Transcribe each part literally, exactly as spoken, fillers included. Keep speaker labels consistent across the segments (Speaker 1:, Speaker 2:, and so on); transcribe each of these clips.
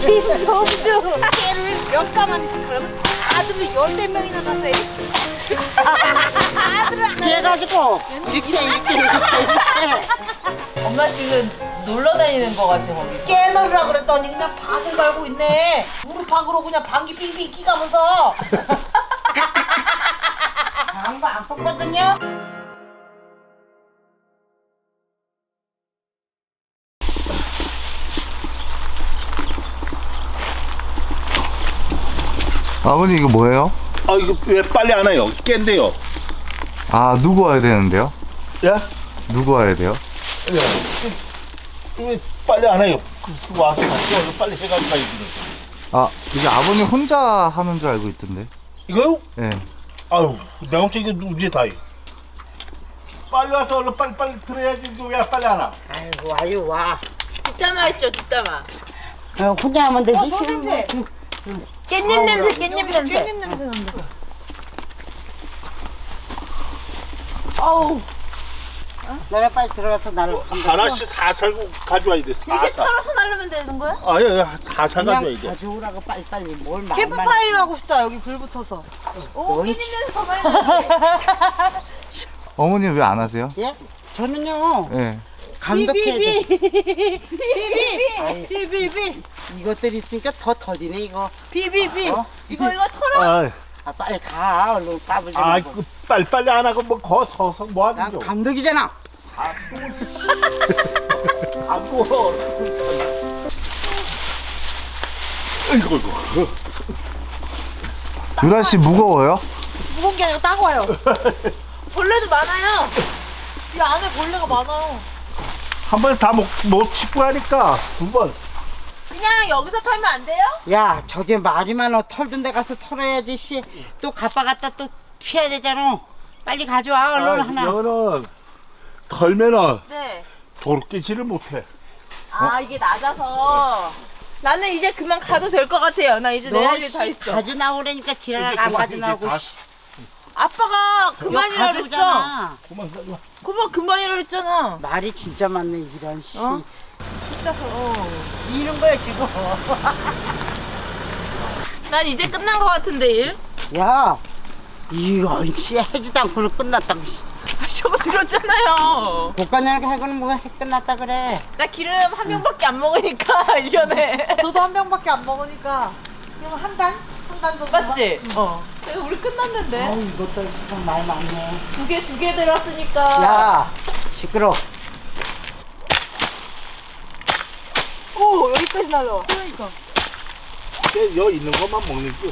Speaker 1: 김성주 깨를 몇 가만히 있으면 아들이 열네 명이나 났어요.
Speaker 2: 그래가지고 이렇게 이렇게 이렇게 이렇게
Speaker 3: 엄마 지금 놀러 다니는 거 같아 거기.
Speaker 1: 깨놓으라 그랬더니 그냥 밭을 갈고 있네. 무릎팍으로 그냥 방귀 빙빙 끼가면서. 방구 안 뻗거든요.
Speaker 4: 아버님 이거 뭐예요?
Speaker 5: 아 이거 왜 빨리 안 와요? 깬데요.
Speaker 4: 아 누구 와야 되는데요?
Speaker 5: 예?
Speaker 4: 누구 와야 돼요?
Speaker 5: 왜 빨리 안 와요? 그, 와서 같이 와서 빨리 해가지고 가야지.
Speaker 4: 아 이게 아버님 혼자 하는 줄 알고 있던데.
Speaker 5: 이거요?
Speaker 4: 예.
Speaker 5: 아유 내가 혼자 이거 언제 다 해? 빨리 와서 얼른 빨리 빨리 들어야지. 이거 왜 빨리 안 와?
Speaker 2: 아이고 와요 와
Speaker 3: 뒷담화 했죠 뒷담화.
Speaker 2: 어, 혼자 하면 되지.
Speaker 1: 어, 저 냄새.
Speaker 3: 깻잎 냄새 깻잎 냄새.
Speaker 1: 깻잎 냄새 난다. 어우.
Speaker 2: 너네 빨리 들어가서 나를
Speaker 5: 하나씩 사살 가져와야 돼.
Speaker 1: 이게
Speaker 5: 사살.
Speaker 1: 털어서 날르면 되는 거야?
Speaker 5: 아예 사살
Speaker 2: 그냥
Speaker 5: 가져와야 돼.
Speaker 2: 가져오라고 빨리빨리 뭘 말만
Speaker 1: 캠프파이 가고 싶다. 여기 불 붙여서. 오, 깻잎 냄새 많이 나지.
Speaker 4: 어머님 왜 안 하세요?
Speaker 2: 예? 저는요
Speaker 4: 예.
Speaker 2: 감독해야 돼.
Speaker 1: 비비비 비비비
Speaker 2: 이것들이 있으니까 더 더디네 이거.
Speaker 1: 비비비
Speaker 2: 어?
Speaker 1: 이거 이거 털어.
Speaker 5: 아,
Speaker 2: 아 빨리 가 얼른 까불지
Speaker 5: 아,
Speaker 2: 말고.
Speaker 5: 그 빨리 빨리 안 하고 뭐 거 서서 뭐
Speaker 2: 난
Speaker 5: 하는 거?
Speaker 2: 감독이잖아.
Speaker 5: 안 구워. 이거 이거.
Speaker 4: 유라 씨 무거워요?
Speaker 1: 무거운 게 아니라 따가워요. 벌레도 많아요. 이 안에 벌레가 많아요.
Speaker 5: 한 번에 다못 짚고 하니까 두 번.
Speaker 1: 그냥 여기서 털면 안 돼요?
Speaker 2: 야 저게 말이 많어. 털던 데 가서 털어야지 씨. 또 가빠 갖다 또 피해야 되잖아. 빨리 가져와 얼른
Speaker 5: 아,
Speaker 2: 하나.
Speaker 5: 이거는 털면은
Speaker 1: 네.
Speaker 5: 도로끼지를 못해.
Speaker 1: 아 이게 낮아서. 나는 이제 그만 가도 될 것 같아요. 나 이제 내 할 일 다 있어.
Speaker 2: 가져 나오라니까 지랄
Speaker 5: 이제
Speaker 2: 안
Speaker 5: 그만,
Speaker 2: 가져 나오고.
Speaker 5: 이제 다-
Speaker 2: 씨.
Speaker 1: 아빠가 그만이라 그랬어.
Speaker 2: 가져오잖아.
Speaker 5: 그만 가져와.
Speaker 1: 그만 그만이라 그랬잖아.
Speaker 2: 말이 진짜 많네 이런 씨.
Speaker 1: 어? 비싸서.
Speaker 2: 이런 거야 지금.
Speaker 1: 난 이제 끝난 것 같은데 일.
Speaker 2: 야 이거 씨 해지도 않고는 끝났다고.
Speaker 1: 아 저거 들었잖아요.
Speaker 2: 국가년을 해고는 뭐가 해 끝났다 그래.
Speaker 1: 나 기름 한 병밖에 안 먹으니까 일 년에. 저도 한 병밖에 안 먹으니까. 그럼 한 단? 한 단 정도? 맞지? 어. 우리 끝났는데.
Speaker 2: 아우 이것도 진짜 말 많네.
Speaker 1: 두 개 두 개 들었으니까.
Speaker 2: 야 시끄러.
Speaker 1: 오 여기까지 날라와. 그러니까.
Speaker 5: 여 있는 것만 먹는 거.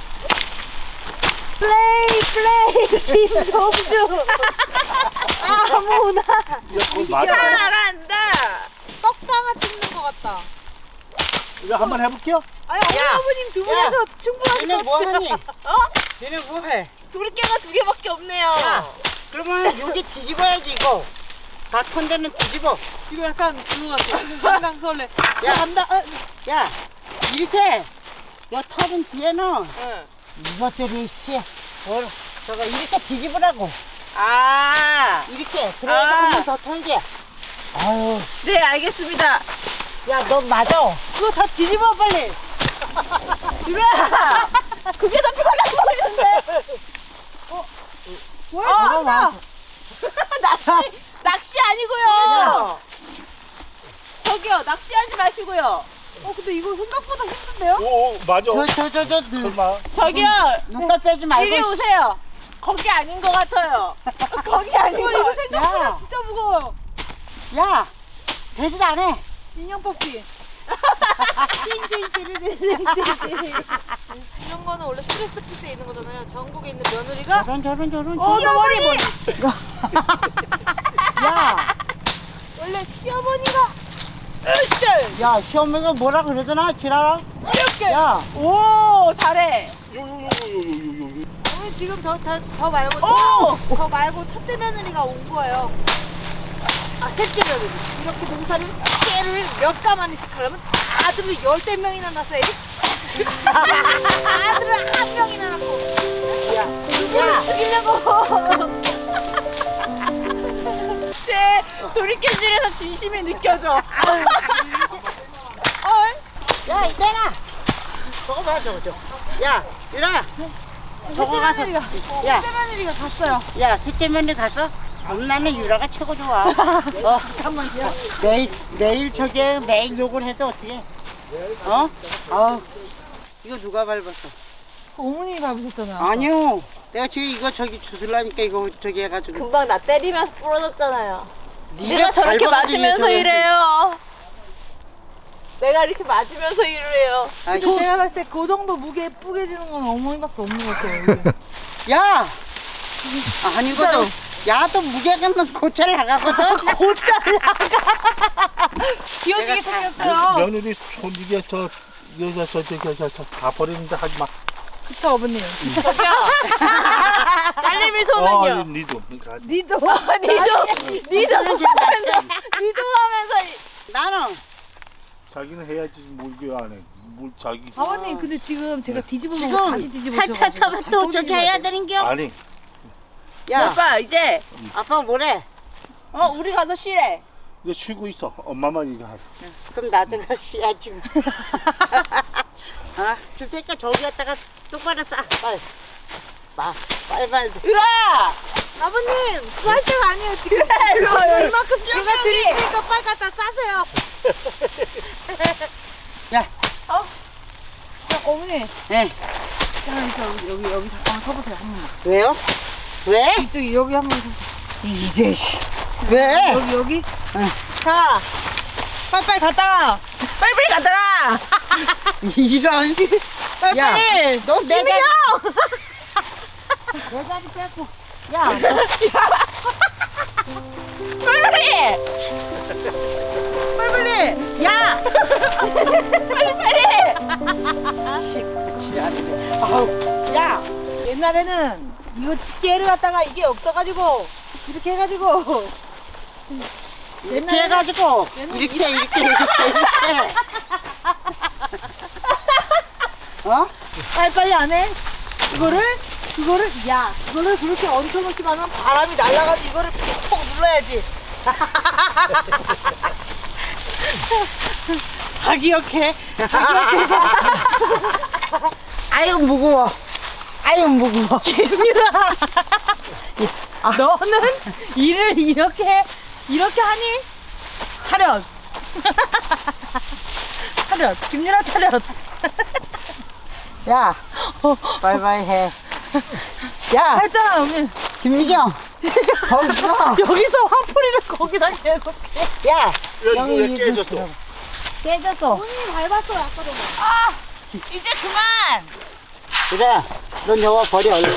Speaker 1: 플레이 플레이 김성주. 아무나.
Speaker 5: 이거 맞아.
Speaker 1: 잘한다. 떡방아 찍는 것 같다.
Speaker 5: 이거 한번 해볼게요.
Speaker 1: 아니 어머님 두 분이서 충분하실
Speaker 2: 얘네
Speaker 1: 것
Speaker 2: 뭐
Speaker 1: 같아요.
Speaker 2: 하니?
Speaker 1: 어?
Speaker 2: 얘네 뭐해?
Speaker 1: 돌깨가 두 개밖에 없네요.
Speaker 2: 야. 그러면 여기 뒤집어야지 이거. 다 턴 데는 뒤집어.
Speaker 1: 이거 약간 그거 같아. 상당설레.
Speaker 2: 야.
Speaker 1: 간다. 어,
Speaker 2: 야 이렇게 요 털은 뒤에는
Speaker 1: 응.
Speaker 2: 이것들이 씨 뭘, 저거 이렇게 뒤집으라고.
Speaker 1: 아.
Speaker 2: 이렇게 그래야
Speaker 1: 아.
Speaker 2: 한 번 더 털게. 아유
Speaker 1: 네 알겠습니다.
Speaker 2: 야 너 맞아.
Speaker 1: 그거 다 뒤집어 빨리. 유라. 그게 더 편한 거였는데. 어. 왜? 어, 한다. 낚시 낚시 아니고요. 저기요 낚시하지 마시고요. 어 근데 이거 생각보다 힘든데요?
Speaker 5: 오, 오 맞아.
Speaker 2: 저 저 저저
Speaker 5: 설마.
Speaker 1: 저기요
Speaker 2: 눈깔 빼지 말고.
Speaker 1: 이리 오세요. 거기 아닌 것 같아요. 거기 아닌 거. 이거 생각보다
Speaker 2: 야.
Speaker 1: 진짜 무거워요.
Speaker 2: 야 되지도 않아.
Speaker 1: 인형 뽑기. 이런 거는 원래 스트레스 피스에 있는 거잖아요. 전국에 있는 며느리가.
Speaker 2: 저런 저런 저런.
Speaker 1: 어, 나 머리 머리.
Speaker 2: 야,
Speaker 1: 원래 시어머니가. 으쌰.
Speaker 2: 야 시어머니가 뭐라 그러더나 지랄아.
Speaker 1: 이렇게.
Speaker 2: 야,
Speaker 1: 오 잘해.
Speaker 5: 요요요요요요.
Speaker 1: 어머니 지금 저, 저, 저 말고
Speaker 3: 오!
Speaker 1: 저, 저 말고 첫째 며느리가 온 거예요. 아 셋째 며느리. 이렇게 농사를 깨를 몇 가만히 하려면 아들이 열댓 명이나 났어요. 아들은 한 명이나 낳고.
Speaker 2: 야,
Speaker 1: 누구를 죽이려고.
Speaker 3: 제 돌이켜질에서 진심이 느껴져.
Speaker 1: 어?
Speaker 2: 야 이때나. 저거 봐 저거 저거. 야 유라. 저거 가서. 야.
Speaker 1: 셋째 며느리가 갔어요.
Speaker 2: 야 셋째 며느리 갔어? 그럼 나는 유라가 최고 좋아. 어.
Speaker 1: 잠깐만요.
Speaker 2: 매일 매일 저게 매일 욕을 해도 어떻게? 어? 아 이거 누가 밟았어?
Speaker 1: 어머님이 밟으셨잖아요.
Speaker 2: 아니요. 내가 지금 이거 저기 주술라니까 이거 저기 해가지고.
Speaker 3: 금방 나 때리면서 부러졌잖아요.
Speaker 2: 네가
Speaker 3: 내가 저렇게
Speaker 2: 밟아가지고
Speaker 3: 맞으면서
Speaker 2: 저기
Speaker 3: 이래요. 내가 이렇게 맞으면서 이래요.
Speaker 2: 아,
Speaker 1: 저 제가 봤을 때 그 정도 무게 뿌개지는 건 어머니밖에 없는 것 같아요.
Speaker 2: 야! 아니거든. 야, 또 무게감은 고찰 나가거든.
Speaker 1: 곧잘 나가. 귀여지게
Speaker 2: 내가 다-
Speaker 1: 생겼어요.
Speaker 5: 며느리 손 이게 저 여자 저 저기 저다 버리는데 하지 마.
Speaker 1: 그쵸 어머님.
Speaker 3: 저기요. 딸내미
Speaker 5: 어,
Speaker 3: 손은요.
Speaker 5: 니도. 그러니까
Speaker 1: 니도.
Speaker 3: 니도 니도 하면서 니도 하면서
Speaker 2: 나는
Speaker 5: 자기는 해야지 뭘 이게 안 해. 뭘 자기.
Speaker 1: 아버님 근데 지금 제가 뒤집어 놓고
Speaker 2: 지금
Speaker 1: 다시 뒤집어
Speaker 2: 살펴하면 또 저기 해야 되는겨?
Speaker 5: 아니.
Speaker 2: 야,
Speaker 3: 오빠 이제
Speaker 2: 아빠 뭐래?
Speaker 3: 어 우리 가서 쉬래.
Speaker 5: 이거 쉬고 있어. 엄마만 이거 하.
Speaker 2: 그럼 나도 가 쉬야지. 아, 줄 테니까 저기 갔다가 똑바로 싸. 빨리. 마, 빨리 빨리.
Speaker 3: 유라.
Speaker 1: 아버님 그거 할 때가 아니에요 지금.
Speaker 3: 일로 와요.
Speaker 1: 이만큼 제가 드릴 테니까 빨리 갖다 싸세요.
Speaker 2: 야,
Speaker 1: 자, 어머니
Speaker 2: 예.
Speaker 1: 잠깐만 여기 여기 여기 잠깐만 서보세요 한 번만.
Speaker 2: 왜요? 왜?
Speaker 1: 이쪽이 여기 한 번.
Speaker 2: 이게 씨. 왜?
Speaker 1: 여기 여기.
Speaker 2: 응.
Speaker 1: 자 빨리빨리 갔다가
Speaker 3: 빨리빨리 가더라.
Speaker 2: 이런. 야,
Speaker 1: 빨리빨리.
Speaker 2: 너 내가
Speaker 1: 김민영!
Speaker 2: 내 자리 뺏고. 야, 너
Speaker 3: 빨리빨리.
Speaker 1: 빨리빨리.
Speaker 3: 야. 빨리빨리.
Speaker 2: 지랄이네. 아우, 야,
Speaker 1: 옛날에는 이거 깨를 갖다가 이게 없어가지고 이렇게 해가지고
Speaker 2: 이렇게 해가지고 이렇게 이렇게 이렇게 이렇게. 어?
Speaker 1: 빨리빨리 안 해? 이거를 그거를 야 이거를 그렇게 얹혀놓기만 하면 바람이 날아가지고 이거를 톡 눌러야지. 다 기억해.
Speaker 2: 아유 무거워. 아유 무거워.
Speaker 1: 김유라. 너는 일을 이렇게 이렇게 하니? 차렷. 차렷. 김유라 차렷.
Speaker 2: 야, 빨리빨리 해. 야,
Speaker 1: 했잖아 어머니.
Speaker 2: 김미경. 거기서.
Speaker 1: 여기서 화풀이를 거기다 계속해.
Speaker 2: 야,
Speaker 5: 여기 왜
Speaker 2: 이거
Speaker 5: 깨졌어?
Speaker 2: 깨졌어.
Speaker 1: 언니 밟았어요 아까 전에.
Speaker 3: 아 이제 그만.
Speaker 2: 그래, 넌 여와 버려. 얼른.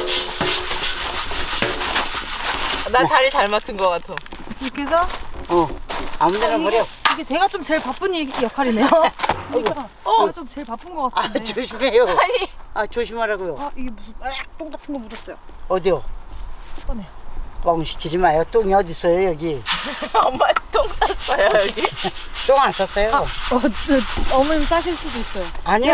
Speaker 3: 나 자리 잘 맡은 것 같아.
Speaker 1: 이렇게 해서
Speaker 2: 어, 아무데나
Speaker 1: 이게,
Speaker 2: 버려.
Speaker 1: 이게 제가 좀 제일 바쁜 일- 역할이네요. 그러니까
Speaker 3: 어.
Speaker 1: 제가 좀 제일 바쁜 것
Speaker 2: 아,
Speaker 1: 같은데.
Speaker 2: 조심해요.
Speaker 3: 아니
Speaker 2: 아, 조심하라고요.
Speaker 1: 아 이게 무슨 아, 똥 같은 거 묻었어요.
Speaker 2: 어디요?
Speaker 1: 손에.
Speaker 2: 뻥 시키지 마요. 똥이 어디 있어요, 여기?
Speaker 3: 엄마 똥 쌌어요 여기.
Speaker 2: 똥 안 쌌어요?
Speaker 1: 어, 그, 어머님 싸실 수도 있어요.
Speaker 2: 아니요.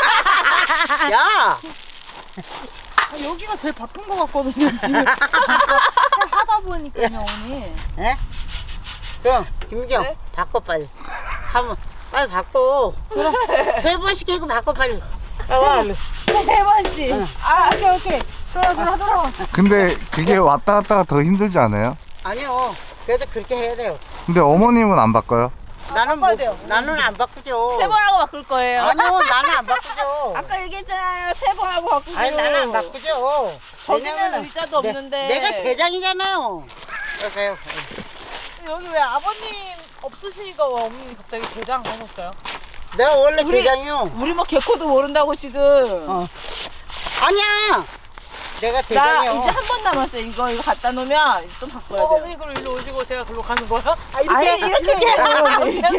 Speaker 2: 야,
Speaker 1: 아, 여기가 제일 바쁜 것 같거든요 지금. 하다 보니까요 어머니.
Speaker 2: 예? 그럼 김미경
Speaker 3: 네?
Speaker 2: 바꿔 빨리. 한번 빨리 바꿔. 세 번씩 해고 바꿔 빨리. 나와 얼른.
Speaker 1: 세 번씩.
Speaker 2: 응.
Speaker 1: 아 오케이 오케이. 돌아 돌아 돌아.
Speaker 4: 근데 그게 왔다 갔다가 더 힘들지 않아요?
Speaker 2: 아니요. 그래도 그렇게 해야 돼요.
Speaker 4: 근데 어머님은 안 바꿔요?
Speaker 2: 나는
Speaker 1: 바꿔야
Speaker 2: 못,
Speaker 1: 돼요.
Speaker 2: 나는 안 바꾸죠.
Speaker 3: 세 번 하고 바꿀 거예요.
Speaker 2: 아니요, 나는 안 바꾸죠.
Speaker 3: 아까 얘기했잖아요. 세 번 하고 바꾸기로.
Speaker 2: 아니 나는 안 바꾸죠.
Speaker 3: 거기는
Speaker 2: 왜냐면은
Speaker 3: 의자도
Speaker 2: 내-
Speaker 3: 없는데.
Speaker 2: 내가 대장이잖아요. 그래요.
Speaker 1: 여기 왜 아버님 없으시니까 왜 어머니 갑자기 대장 하셨어요?
Speaker 2: 내가 원래
Speaker 3: 우리-
Speaker 2: 대장이요.
Speaker 3: 우리 뭐 개코도 모른다고 지금.
Speaker 2: 어. 아니야. 내가
Speaker 3: 나
Speaker 2: 대장이요.
Speaker 3: 이제 한 번 남았어요. 이거 이거 갖다 놓으면 이제 또 바꿔야 돼요.
Speaker 1: 어머니 그럼 일로 오시고 제가 글로 가는 거야? 아
Speaker 3: 아니, 이렇게 해요. 이렇게.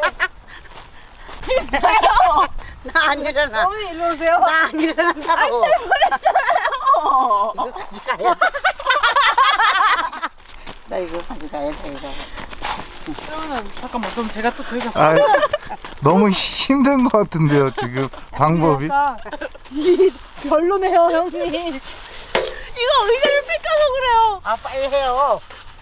Speaker 2: 나 안 일어나.
Speaker 1: 어머니 일로 오세요.
Speaker 2: 나 안 일어난다고.
Speaker 3: 그랬잖아요.
Speaker 2: 이거 가져가야 돼. 나 이거 가져가야 돼, 이거.
Speaker 1: 그러면 잠깐만 그럼 제가 또 저희 가서
Speaker 4: 아, 너무 힘든 것 같은데요, 지금 방법이.
Speaker 1: 약간 이 별로네요 형님.
Speaker 3: 이거 의자를 뺏겨서 그래요.
Speaker 2: 아, 빨리 해요.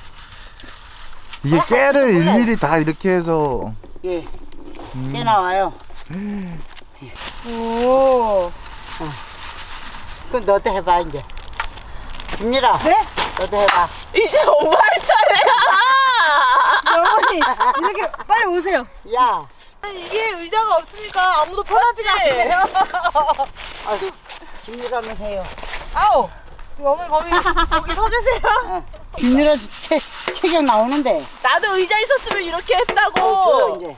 Speaker 4: 이게 깨를 일일이 다 이렇게 해서
Speaker 2: 예.
Speaker 4: 음.
Speaker 2: 깨 나와요.
Speaker 1: 오.
Speaker 2: 그럼 너도 해봐 이제. 김유라.
Speaker 1: 네?
Speaker 2: 너도 해봐.
Speaker 3: 이제 엄마 할 차례야.
Speaker 1: 어머니 이렇게 빨리 오세요.
Speaker 2: 야.
Speaker 1: 아니, 이게 의자가 없으니까 아무도 편하지가
Speaker 3: 맞지?
Speaker 1: 않네요.
Speaker 2: 아, 김유라는 해요.
Speaker 1: 아우. 어머니 거기 거기 서 계세요.
Speaker 2: 어. 김유라 체, 체격 나오는데.
Speaker 3: 나도 의자 있었으면 이렇게 했다고.
Speaker 2: 어, 줘요 이제.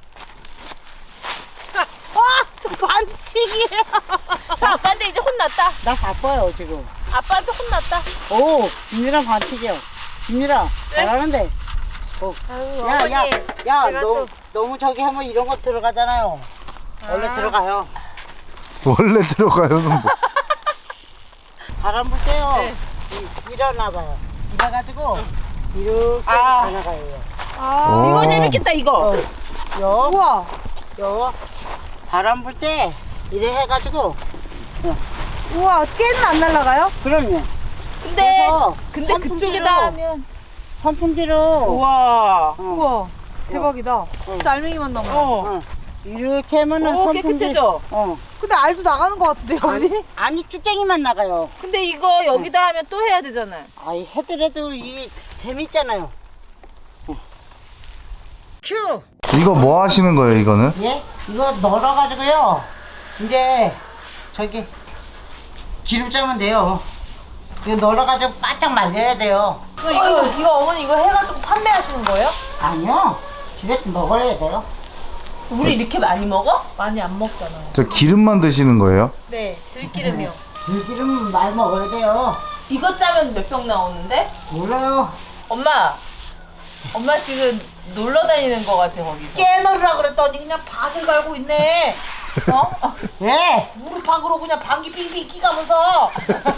Speaker 1: 와, 저 반칙이에요.
Speaker 3: 자, 아빠한테 이제 혼났다.
Speaker 2: 나 바빠요 지금.
Speaker 3: 아빠한테 혼났다.
Speaker 2: 오, 김유라 반칙이요. 김유라
Speaker 3: 네?
Speaker 2: 잘하는데. 오.
Speaker 1: 아유,
Speaker 2: 야,
Speaker 1: 어머니.
Speaker 2: 야, 야,
Speaker 1: 제가
Speaker 2: 너,
Speaker 1: 또-
Speaker 2: 너무 저기 하면 이런 거 들어가잖아요. 원래
Speaker 1: 아.
Speaker 2: 들어가요.
Speaker 4: 원래 들어가요는 뭐.
Speaker 2: 바람 불 때요.
Speaker 3: 네.
Speaker 2: 이- 일어나봐요. 이래가지고 이렇게
Speaker 3: 아.
Speaker 2: 가나가요.
Speaker 1: 아,
Speaker 3: 이거
Speaker 4: 어.
Speaker 3: 재밌겠다, 이거.
Speaker 2: 어, 요,
Speaker 1: 우와.
Speaker 2: 요. 바람 불 때 이래 해가지고.
Speaker 1: 우와, 깨는 안 날아가요?
Speaker 2: 그럼요.
Speaker 3: 근데,
Speaker 2: 그래서
Speaker 3: 근데
Speaker 2: 선풍기로-
Speaker 3: 그쪽에다 하면.
Speaker 2: 선풍기로.
Speaker 3: 우와.
Speaker 2: 어,
Speaker 1: 우와, 대박이다. 진짜 알맹이만 남아요.
Speaker 3: 어.
Speaker 2: 어. 이렇게 하면은
Speaker 3: 오,
Speaker 2: 선풍기.
Speaker 3: 깨끗해져.
Speaker 2: 어.
Speaker 1: 근데 알도 나가는 것 같은데요, 어머니?
Speaker 2: 아니 쭉쟁이만 나가요.
Speaker 3: 근데 이거 여기다 하면 또 해야 되잖아요.
Speaker 2: 아이 해더라도 이 재밌잖아요. 어. 큐.
Speaker 4: 이거 뭐 하시는 거예요, 이거는?
Speaker 2: 예? 이거 널어가지고요. 이제 저기 기름 짜면 돼요. 이거 널어가지고 바짝 말려야 돼요.
Speaker 3: 이거, 이거, 이거 어머니 이거 해가지고 판매하시는 거예요?
Speaker 2: 아니요. 집에 먹어야 돼요.
Speaker 3: 우리 이렇게 많이 먹어?
Speaker 1: 많이 안 먹잖아요.
Speaker 4: 저 기름만 드시는 거예요?
Speaker 3: 네, 들기름이요.
Speaker 2: 들기름 많이 먹어야 돼요.
Speaker 3: 이거 짜면 몇 병 나오는데?
Speaker 2: 몰라요.
Speaker 3: 엄마, 엄마 지금 놀러 다니는 거 같아, 거기서.
Speaker 1: 깨너리라 그랬더니 그냥 밭을 갈고 있네.
Speaker 3: 어?
Speaker 2: 왜?
Speaker 1: 무릎팍으로 그냥 방귀 빙빙 끼가면서.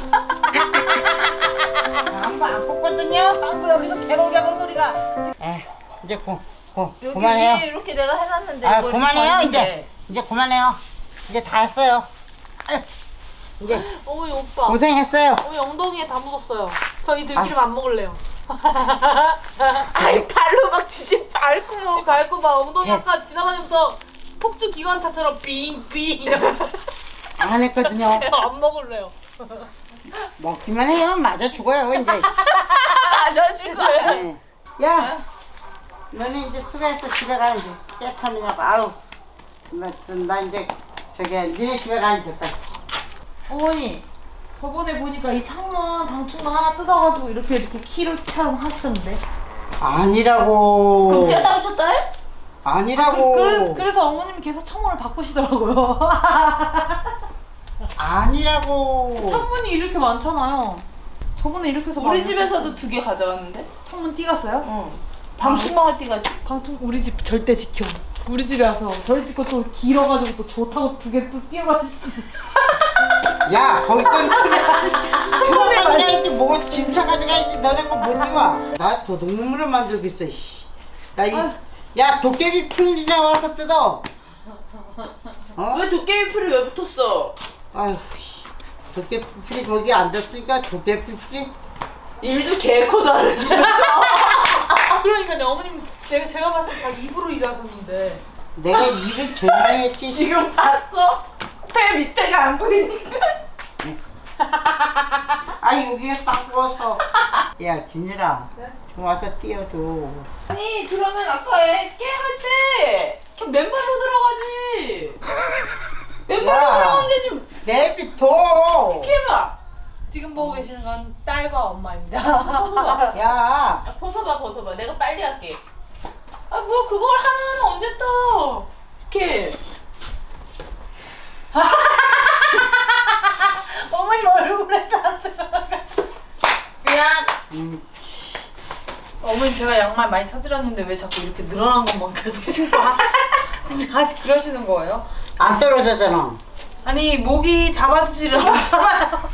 Speaker 2: 아무도 안 뽑거든요.
Speaker 1: 방구 여기서 개놀이하는 소리가.
Speaker 2: 에 이제 고, 고,
Speaker 3: 여기
Speaker 2: 그만해요.
Speaker 3: 위에 이렇게 내가 해놨는데.
Speaker 2: 아
Speaker 3: 이거 이렇게
Speaker 2: 그만해요
Speaker 3: 버리는데.
Speaker 2: 이제. 이제 그만해요. 이제 다 했어요. 아유, 이제
Speaker 1: 어머니 오빠.
Speaker 2: 고생했어요.
Speaker 1: 어머니 엉덩이에 다 묻었어요. 저 이 들기름 안 먹을래요.
Speaker 3: 아이, 발로 막 지지 밟고 뭐.
Speaker 1: 지 밟고 막 엉덩이
Speaker 2: 예.
Speaker 1: 아까 지나다니면서 폭주 기관차처럼 빙빙 이러면서
Speaker 2: 안 했거든요.
Speaker 1: 저 안 먹을래요.
Speaker 2: 먹기만 해요. 맞아 죽어요 이제.
Speaker 3: 마셔줄 거예요.
Speaker 2: 네. 야, 너는 이제 수고했어. 집에 가 이제. 깨 터느냐고. 아우, 나, 나 이제 저기 니네 집에 가 이제. 빨리.
Speaker 1: 어머니 저번에 보니까 이 창문 방충망 하나 뜯어가지고 이렇게 이렇게 키로처럼 하시던데.
Speaker 2: 아니라고.
Speaker 3: 그럼 떼다 붙였다 해?
Speaker 2: 아니라고.
Speaker 1: 그래, 그래서 어머님이 계속 창문을 바꾸시더라고요.
Speaker 2: 아니라고.
Speaker 1: 창문이 이렇게 많잖아요. 저번에 이렇게 해서
Speaker 3: 우리
Speaker 1: 많이
Speaker 3: 집에서도 두 개 가져왔는데?
Speaker 1: 창문 띄갔어요?
Speaker 3: 응. 방충망 할 때가
Speaker 1: 방충 우리 집 절대 지켜. 우리 집에 와서 저희 집 거 또 길어가지고 또 좋다고 두 개 또 띄어가지고.
Speaker 2: 야, 거기 건 그거 가져가야지. 뭐 짐차 가져가야지. 너네 거 못 띄워. 나 도둑놈으로 만들고 있어. 씨. 나 이, 야 도깨비 풀이나 와서 뜯어. 어?
Speaker 3: 왜 도깨비 풀이 왜 붙었어?
Speaker 2: 아휴, 씨. 도깨비 풀이 거기 앉았으니까 도깨비 풀이.
Speaker 3: 일도 개코도 안 했어.
Speaker 1: 그러니까요, 어머님 제가 제가 봤을 때 다 입으로 일하셨는데.
Speaker 2: 내가 일을 제일 많이 했지.
Speaker 3: 지금 봤어? 배 밑에가 안 보이니까.
Speaker 2: 아 여기가 딱 부어서. 야 김유라, 좀 와서 띄워줘.
Speaker 3: 아니 그러면 아까 깨할 때 맨발로 들어가지. 맨발로
Speaker 2: 야.
Speaker 3: 들어가면 되지.
Speaker 2: 내비둬.
Speaker 3: 이렇게 해봐.
Speaker 1: 지금 보고 계시는 건 딸과 엄마입니다.
Speaker 3: 벗어봐.
Speaker 2: 야,
Speaker 3: 아, 벗어봐 벗어봐. 내가 빨리 할게. 아 뭐 그걸 하나는 언제 떠? 이렇게.
Speaker 1: 어머님 얼굴에 다 들어가. 그냥
Speaker 2: 음,
Speaker 1: 어머니 제가 양말 많이 사드렸는데 왜 자꾸 이렇게 늘어난 것만 계속 신고 하- 아직 그러시는 거예요?
Speaker 2: 안 떨어졌잖아.
Speaker 1: 아니 목이 잡아주지를 않잖아요.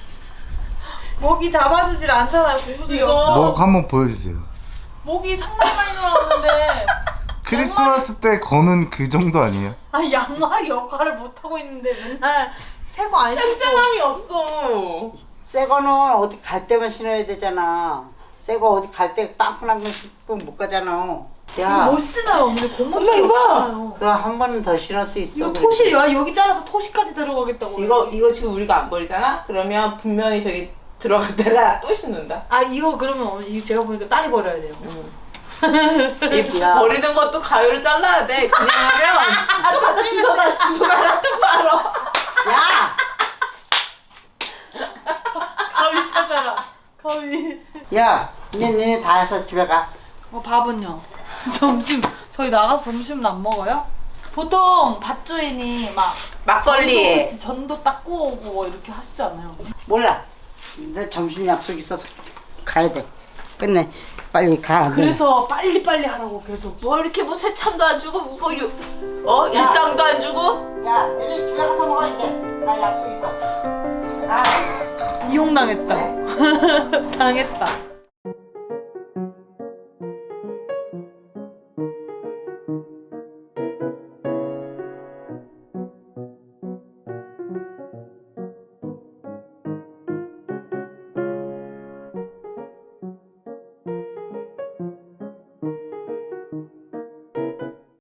Speaker 1: 목이 잡아주질 않잖아요. 고무줄이 없어.
Speaker 4: 뭐 한번 보여주세요.
Speaker 1: 목이 상당히 많이 늘어났는데
Speaker 4: 크리스마스 때 거는 그 정도 아니에요?
Speaker 1: 아니 양말이 역할을 못하고 있는데 맨날 새 거 안 신고
Speaker 3: 짱짱함이 없어.
Speaker 2: 새 거는 어디 갈 때만 신어야 되잖아. 새 거 어디 갈 때 빵꾸난 거 신고 못 가잖아. 야,
Speaker 1: 못 쓰나요? 근데 고무줄
Speaker 3: 엄마, 이거 봐.
Speaker 1: 없잖아요.
Speaker 2: 너 한 번은 더 실을 수 있어.
Speaker 1: 이거
Speaker 2: 그래.
Speaker 1: 토시 야 여기 잘라서 토시까지 들어가겠다고.
Speaker 3: 이거 이거 지금 우리가 안 버리잖아? 그러면 분명히 저기 들어갔다가 또 씻는다.
Speaker 1: 아 이거 그러면 이거 제가 보니까 딸이 버려야 돼요.
Speaker 3: 이
Speaker 2: 야.
Speaker 3: 버리는 것도 가위로 잘라야 돼. 그냥 하면 또 가서 주워다 주워다 또 말어.
Speaker 2: 야,
Speaker 1: 가위 찾아라. 가위.
Speaker 2: 야, 이제 너네 다 해서 집에 가.
Speaker 1: 어 밥은요? 점심 저희 나가서 점심은 안 먹어요? 보통 밭주인이 막
Speaker 3: 막걸리.
Speaker 1: 전도, 전도 닦고 오고 뭐 이렇게 하시잖아요.
Speaker 2: 몰라. 내 점심 약속 있어서 가야 돼. 끝내. 빨리 가.
Speaker 1: 그래서 빨리 빨리 하라고 계속.
Speaker 3: 뭐 이렇게 뭐 새참도 안 주고 뭐 유, 어 일당도 안 주고.
Speaker 2: 야, 너네 집에 가서 먹어 이제. 나 약속 있어. 아.
Speaker 1: 이용당했다. 당했다.